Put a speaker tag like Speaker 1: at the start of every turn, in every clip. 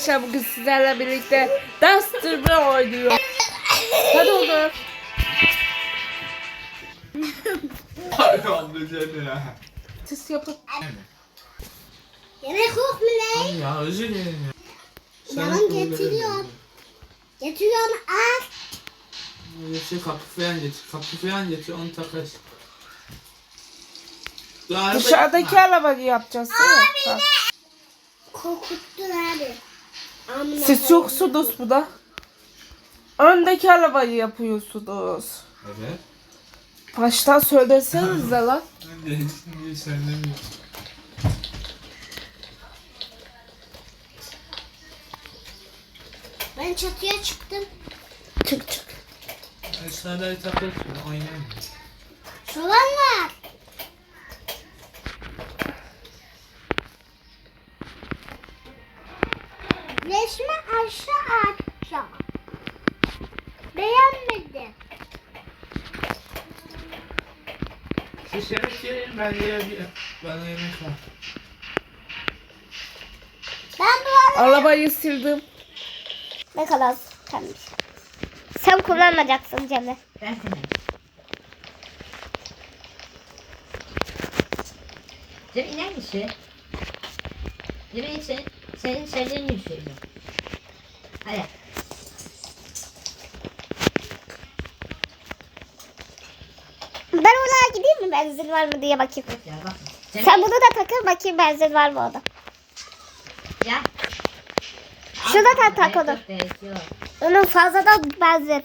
Speaker 1: arkadaşlar bugün sizlerle birlikte Duster Bro oynuyor. Hadi oğlum. Ses yapın.
Speaker 2: Yemek yok mu ne?
Speaker 3: Ya özür dilerim ya.
Speaker 2: Canım getiriyorum. Getiriyorum al.
Speaker 3: Şey kapı falan getir onu takarız.
Speaker 1: Dışarıdaki arabayı yapacağız.
Speaker 2: Abi ne? Korkuttun abi. Amına
Speaker 1: Siz yoksunuz bu da. Öndeki arabayı yapıyorsunuz.
Speaker 3: Evet.
Speaker 1: Baştan söylesenize lan.
Speaker 3: Ben de şimdi söylemiyorum.
Speaker 2: Ben çatıya çıktım.
Speaker 1: Çık çık.
Speaker 3: Aşağıda takılsın oynayalım.
Speaker 2: Soğan var. Resmi aşağı. Beğenmedim.
Speaker 3: Siz yemek yiyin bana yemek var.
Speaker 2: Ben bu
Speaker 1: Arabayı sildim.
Speaker 2: ne kadar kalmış. Sen kullanmayacaksın Cemre.
Speaker 4: Ben kullanayım. Cem iner misin? Cem senin sevdiğin gibi söylüyorum. Hadi.
Speaker 2: Ben oraya gideyim mi? Benzin var mı diye bakayım.
Speaker 4: Ya bak. Cem,
Speaker 2: Sen bunu da takır bakayım benzin var mı orada.
Speaker 4: ya.
Speaker 2: Şunu da tak onu.
Speaker 4: Yok.
Speaker 2: Onun fazladan benzin.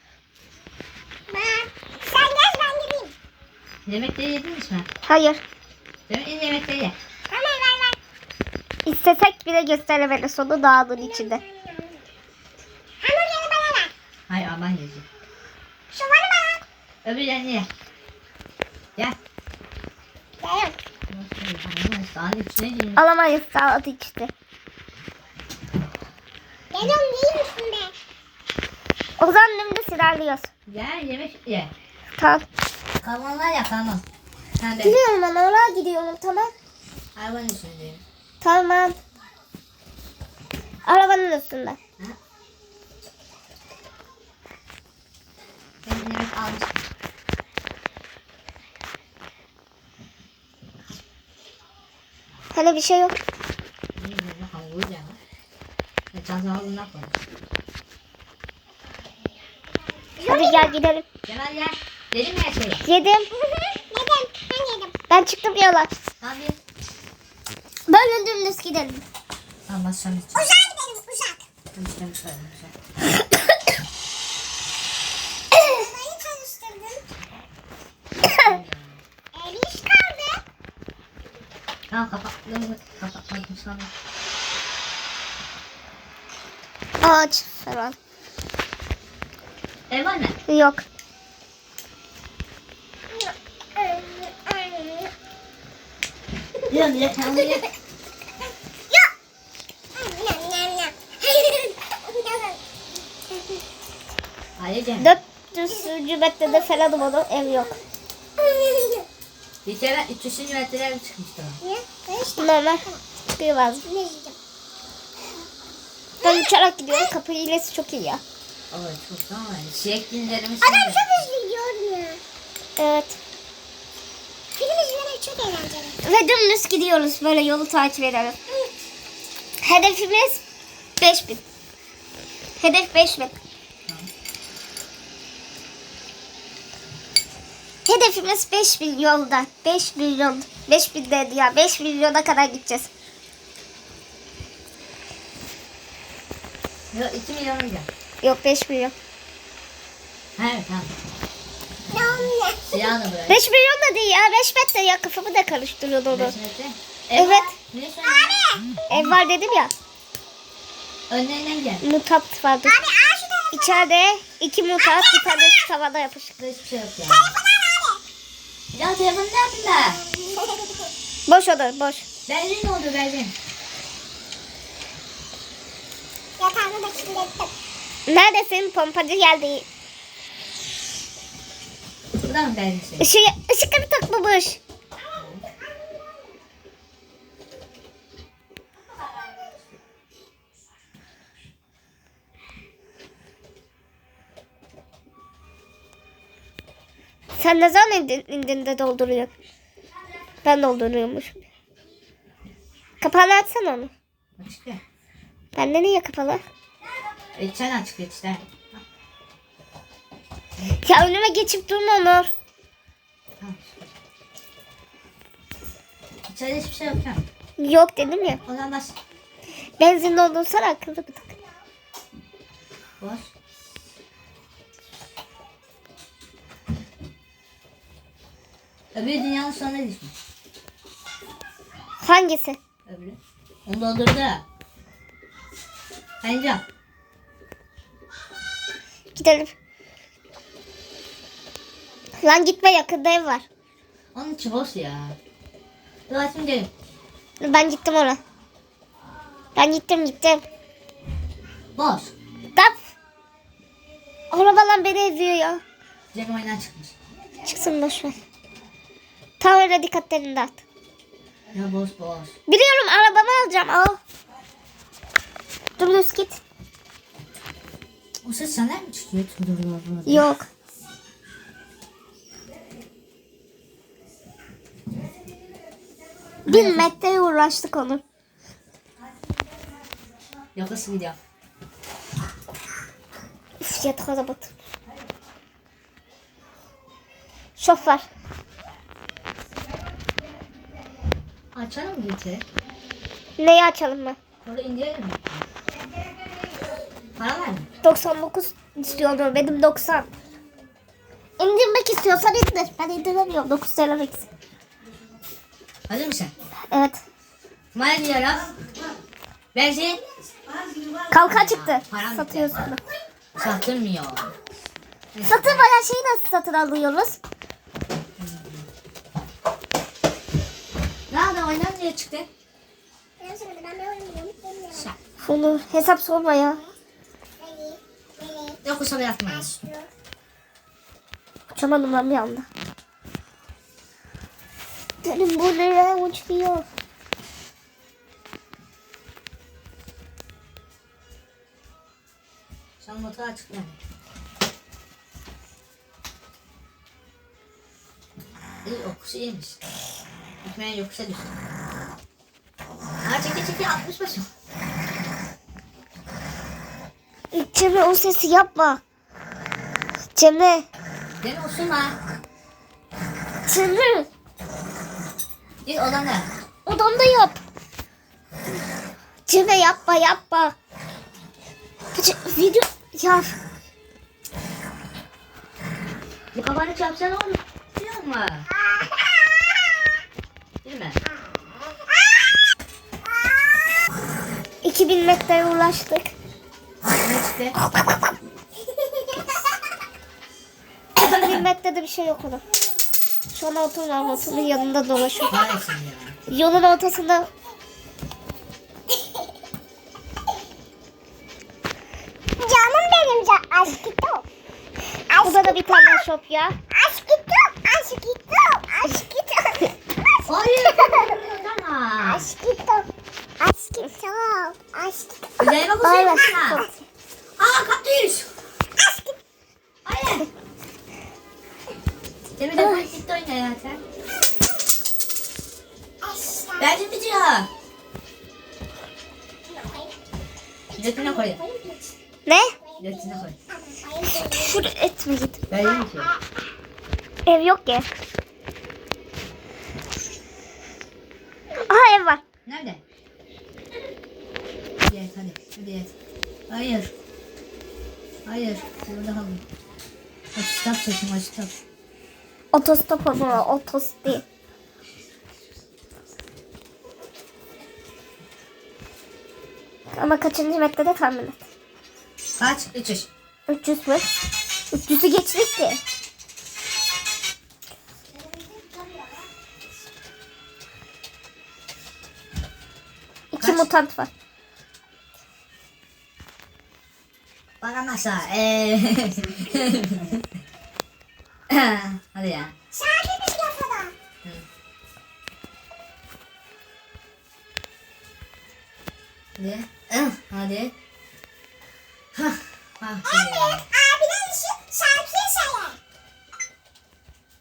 Speaker 2: Sen gel ben gideyim.
Speaker 4: Yemekleri yediniz mi?
Speaker 2: Hayır.
Speaker 4: Cem in yemekleri ye.
Speaker 2: Ver. İstesek bile gösteremedi sonu dağının içinde. Hamburgeri bana ver.
Speaker 4: Hayır aman yiyeceğim.
Speaker 2: Şu var mı?
Speaker 4: Öbürlerini ye. Gel.
Speaker 2: Gel.
Speaker 4: Sağın içine girin.
Speaker 2: Alamayız saat işte. Geliyorum değil misin be? O zaman dümdüz ilerliyoruz.
Speaker 4: Gel yemek ye.
Speaker 2: Tamam.
Speaker 4: Kalmanlar ya kalman. Sen de.
Speaker 2: Gidiyorum ben oraya gidiyorum tamam.
Speaker 4: Hayvanın üstündeyim.
Speaker 2: Tamam. Arabanın üstünde.
Speaker 4: Ben yemek almışım.
Speaker 2: Hani bir şey yok.
Speaker 4: Yemek hamuru ya. Çantamı bundan koy.
Speaker 2: Hadi gel gidelim.
Speaker 4: Cemal gel. Dedim mi her şeyi?
Speaker 2: Yedim. Ben yedim. Ben çıktım yola.
Speaker 4: Tamam ye.
Speaker 2: Böyle dümdüz gidelim.
Speaker 4: Tamam başlayalım.
Speaker 2: Uzağa gidelim uzak.
Speaker 4: Konuşalım şöyle.
Speaker 2: Arabayı tanıştırdım. Eliş kaldı.
Speaker 4: Tamam kapattım. Kapatmadım sana.
Speaker 2: Ağaç falan.
Speaker 4: Ev var mı?
Speaker 2: Yok.
Speaker 4: Diyorum ya tamam ye.
Speaker 2: Yok.
Speaker 4: Hayır Cem.
Speaker 2: 400. metrede falanım onun ev yok.
Speaker 4: Bir kere 300 metrelere çıkmıştı o.
Speaker 2: Normal. Biraz. Ben uçarak gidiyorum. Kapı hilesi çok iyi ya.
Speaker 4: Evet çok tamam. Şiyek günlerimiz
Speaker 2: Adam çok hızlı gidiyorum ya. Evet. Film izlemek çok eğlenceli. Ve dümdüz gidiyoruz. Böyle yolu takip edelim. Hedefimiz 5000. Hedef 5000. Hedefimiz 5000 yolda. 5 milyon. 5000 dedi ya. 5 milyona kadar gideceğiz.
Speaker 4: Yok 2 milyon olacak.
Speaker 2: Yok 5 milyon.
Speaker 4: Evet tamam. Silahını bırak.
Speaker 2: 5 milyon da değil ya. 5 metre ya. Kafamı da karıştırıyor onu.
Speaker 4: 5 metre.
Speaker 2: Evet.
Speaker 4: Ne söylüyorsun?
Speaker 2: Ev var dedim ya.
Speaker 4: Önlerinden gel.
Speaker 2: Mutant vardı. İçeride 2 mutant bir tane tavada yapışık.
Speaker 4: Burada hiçbir şey yok ya. Ya telefonu ne yaptın da?
Speaker 2: Boş oda boş.
Speaker 4: Benzin ne oldu benzin?
Speaker 2: Yatağını da kirlettim. Neredesin? Pompacı geldi.
Speaker 4: Burada mı benzin?
Speaker 2: Işıkları takmamış. Sen ne zaman indin de dolduruyorsun? Ben dolduruyormuşum. Kapağını açsana onu.
Speaker 4: Açık ya.
Speaker 2: Bende niye kapalı?
Speaker 4: Sen açık işte.
Speaker 2: Ya önüme geçip durma Onur.
Speaker 4: Tamam. İçeride hiçbir şey yok ya.
Speaker 2: Yok dedim ya.
Speaker 4: O zaman bas.
Speaker 2: Benzin doldursana akıllı bir tak.
Speaker 4: Boş. Öbür dünyanın sonuna düşmüş.
Speaker 2: Hangisi?
Speaker 4: Öbürü. Onu doldurdu. Bence.
Speaker 2: Gidelim. Lan gitme, yakında ev var.
Speaker 4: Onun içi boş ya. Dur açayım gelin.
Speaker 2: Ben gittim ona. Ben gittim.
Speaker 4: Boş.
Speaker 2: Dap. Arabalar beni eziyor ya.
Speaker 4: Cem oyundan çıkmış.
Speaker 2: Çıksın boşver. Tam öyle dikkatlerini dağıt.
Speaker 4: Ya boş.
Speaker 2: Biliyorum, arabamı alacağım. Al. Dümdüz git.
Speaker 4: O ses senden mi çıkıyor? Dur.
Speaker 2: Yok. Bir metreye uğraştık onu.
Speaker 4: Yok nasıl gidiyor?
Speaker 2: Üf, yatak arabat. Şoför.
Speaker 4: Açalım mı geçe?
Speaker 2: Neyi açalım mı?
Speaker 4: Orada indirelim mi? Para var mı?
Speaker 2: 99 istiyorum, benim 90. İndirmek istiyorsan indir. Ben indiremiyorum. 9 TL eksik.
Speaker 4: Hazır mısın?
Speaker 2: Evet.
Speaker 4: Kumaya diyorum. Benzin.
Speaker 2: Kalkan çıktı.
Speaker 4: Param
Speaker 2: Satıyorsun.
Speaker 4: Satılmıyor.
Speaker 2: Satın bayağı şeyi nasıl satın alıyoruz?
Speaker 4: Nerede oynan diye çıktı?
Speaker 2: Bunu hesap sorma ya.
Speaker 4: Yok kusura yapmayız.
Speaker 2: Uçamadım ben bir anda. Benim bu nereye uçuyor?
Speaker 4: Sen motoru açıkla. İyi okusu iyiymiş. Gitmeye yokuşa düştü. Ha çeki 60 başım.
Speaker 2: Cemre, o sesi yapma. Cemre.
Speaker 4: Beni osurma.
Speaker 2: Cemre.
Speaker 4: Git odana.
Speaker 2: Odamda yap. Cemre yapma. Video ya.
Speaker 4: Bir kafanı çarpsana oğlum. Biliyor musun? Değil mi?
Speaker 2: 2000 metreye ulaştık.
Speaker 4: Ne çıktı?
Speaker 2: 2000 metrede bir şey yok onun. Şu an oturun yanında dolaşıyor.
Speaker 4: Kahretsin ya.
Speaker 2: Yolun ortasında.
Speaker 5: Canım benim aşkım.
Speaker 2: Burada da bir tane shop ya.
Speaker 5: Aşkım.
Speaker 4: Hayır. Odana.
Speaker 5: Aşkım.
Speaker 4: Üzerime
Speaker 2: Aynen.
Speaker 4: kusayım. Aa kaktüs. Hayır. Cemil de politik oyna ya sen. Bence bitiyor. Götüne koy.
Speaker 2: Ne?
Speaker 4: Götüne koy.
Speaker 2: Küfür etme git.
Speaker 4: Ben yerim ki.
Speaker 2: Ev yok ki. Aha, ev var.
Speaker 4: Nerede? Hadi et hadi. Hadi et. Hayır. Burada kalın. Açtap çekim açtap.
Speaker 2: Otostop ama otostop değil. Ama kaçıncı metrede tahmin et.
Speaker 4: Kaç? 300.
Speaker 2: 300 mü? 300'ü geçtik ki. İki
Speaker 4: Kaç?
Speaker 2: mutant var.
Speaker 4: Bakalım aşağı. Hadi ya. Hadi. Hadi. Hah.
Speaker 5: Abiden işi şarkıyı söyle.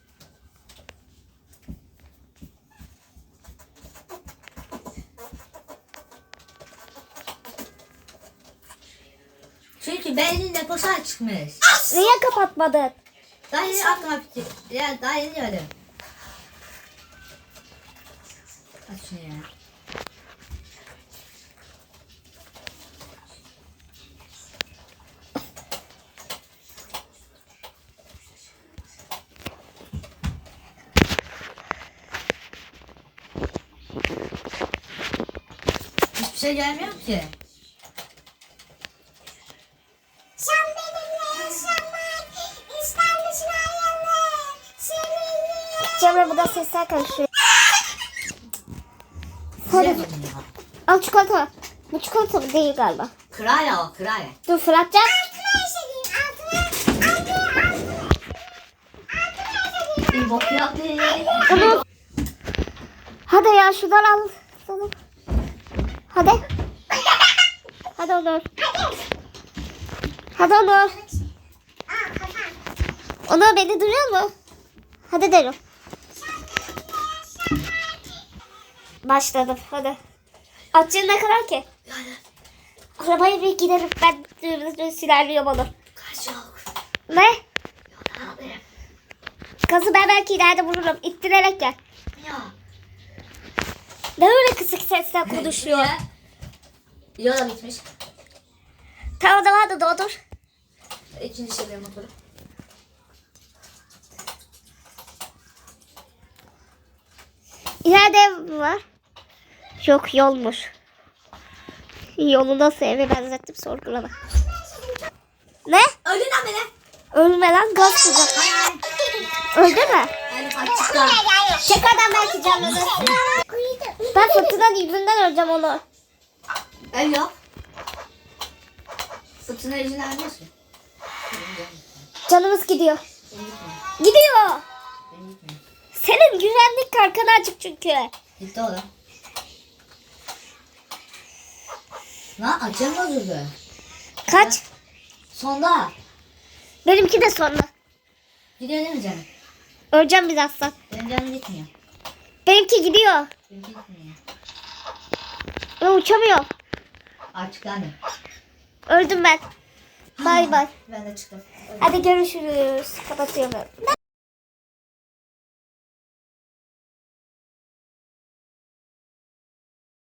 Speaker 4: Çünkü beynin deposu açmış.
Speaker 2: Niye kapatmadın?
Speaker 4: Daha yeni aklıma fikir. Ya daha yeni öyle. Aç şunu ya. Hiçbir şey gelmiyor ki.
Speaker 5: Sen benimle yaşamak ister misin hayaller? Seninle.
Speaker 2: Cemre bu da sesler karışıyor.
Speaker 4: Güzel
Speaker 2: Hadi
Speaker 4: bunu ya.
Speaker 2: al çikolata. Bu çikolata değil galiba.
Speaker 4: Kıraya o kıraya.
Speaker 2: Dur fırlatacağım.
Speaker 4: Bir bok yaptı.
Speaker 2: Ama... Hadi ya şuradan al. Hadi. Hadi Onur. Hadi Onur. Onur beni duyuyor mu? Hadi derim. Başladım hadi. Atçın ne kadar ki? Arabaya bir giderim ben silerliyorum onu.
Speaker 4: Kaç yok.
Speaker 2: Ne?
Speaker 4: Abi.
Speaker 2: Gazı ben belki ileride vururum. İttirerek gel.
Speaker 4: Ya.
Speaker 2: Ne öyle kısık sesle konuşuyor?
Speaker 4: Yola bitmiş.
Speaker 2: Tamam da hadi doldur.
Speaker 4: İkinci şeyler motoru.
Speaker 2: İleride ev mi var? Yok yolmuş. Yolu nasıl eve benzettim sorgulama. Ne?
Speaker 4: Öldün lan beni.
Speaker 2: Ölme lan gaz sıcak. Öldü mü?
Speaker 4: Yani kaçtıktan.
Speaker 2: Tekrardan belki canlanır. Ben fırtına yüzünden öleceğim onu.
Speaker 4: El yok. Fırtına yüzünden ölmüyorsun.
Speaker 2: Canımız gidiyor.
Speaker 4: Benim gitmiyor.
Speaker 2: Gidiyor.
Speaker 4: Benim gitmiyor.
Speaker 2: Senin güvenlik kalkanı açık çünkü.
Speaker 4: Gitti o da. Lan açım bozuldu.
Speaker 2: Kaç?
Speaker 4: Sonda.
Speaker 2: Benimki de sonra.
Speaker 4: Gidiyor değil mi canım?
Speaker 2: Öleceğim birazdan.
Speaker 4: Benim canım gitmiyor.
Speaker 2: Benimki gidiyor.
Speaker 4: Benimki gitmiyor.
Speaker 2: Ben uçamıyorum.
Speaker 4: Açıklandı.
Speaker 2: Öldüm ben. Bay bay.
Speaker 4: Ben de çıktım.
Speaker 2: Hadi görüşürüz. Kapatıyorum.